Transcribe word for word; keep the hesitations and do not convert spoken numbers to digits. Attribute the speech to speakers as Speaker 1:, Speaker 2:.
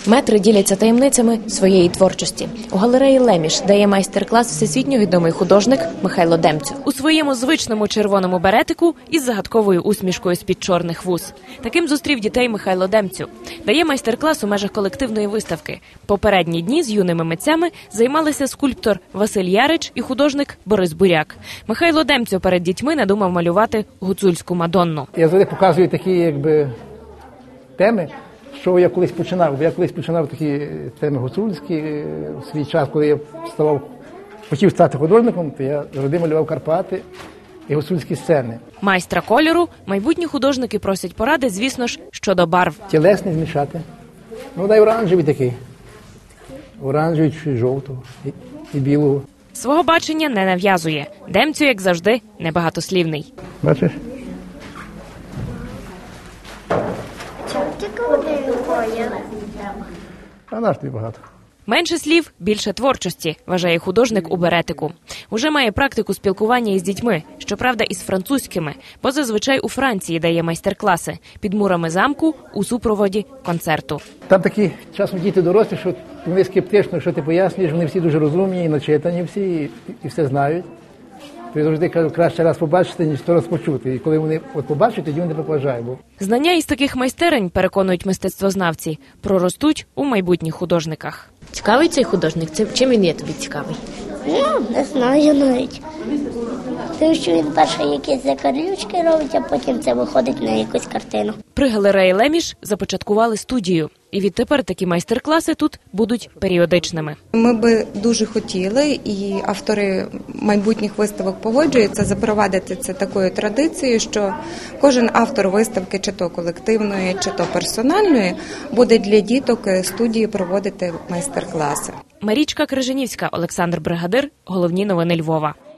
Speaker 1: Метри діляться таємницями своєї творчості. У галереї «Леміш» дає майстер-клас всесвітньо відомий художник Михайло Демцю. У своєму звичному червоному беретику із загадковою усмішкою з-під чорних вуз. Таким зустрів дітей Михайло Демцю. Дає майстер-клас у межах колективної виставки. Попередні дні з юними митцями займалися скульптор Василь Ярич і художник Борис Буряк. Михайло Демцю перед дітьми надумав малювати гуцульську Мадонну.
Speaker 2: Я завжди показую такі, якби, теми, що я колись починав. Я колись починав такі теми гуцульські. У свій час, коли я ставав, хотів стати художником, то я завжди малював Карпати і гуцульські сцени.
Speaker 1: Майстра кольору майбутні художники просять поради, звісно ж, щодо барв.
Speaker 2: Тілесний змішати. Ну, дай оранжевий такий. Оранжевий чи жовтого і, і білого.
Speaker 1: Свого бачення не нав'язує. Демцю, як завжди, небагатослівний.
Speaker 2: Бачиш? А наш тобі багато.
Speaker 1: Менше слів, більше творчості, вважає художник у беретику. Уже має практику спілкування із дітьми, щоправда, із французькими, бо зазвичай у Франції дає майстер-класи під мурами замку у супроводі концерту.
Speaker 2: Там такі часом діти дорослі, що вони скептично, що ти пояснюєш, вони всі дуже розумні і начитані всі, і, і все знають. То я завжди кажу, краще раз побачити, ніж сто раз почути. І коли вони от побачать, тоді вони поважають. Бо...
Speaker 1: Знання із таких майстерень, переконують мистецтвознавці, проростуть у майбутніх художниках.
Speaker 3: Цікавий цей художник? Чим він є тобі цікавий?
Speaker 4: Ну, не знаю навіть. Тому що він перше якісь закарлючки робить, а потім це виходить на якусь картину.
Speaker 1: При галереї «Леміш» започаткували студію. І відтепер такі майстер-класи тут будуть періодичними.
Speaker 5: Ми би дуже хотіли, і автори майбутніх виставок погоджуються, запровадити це такою традицією, що кожен автор виставки, чи то колективної, чи то персональної, буде для діток студії проводити майстер-класи.
Speaker 1: Марічка Крижанівська, Олександр Бригадир. Головні новини Львова.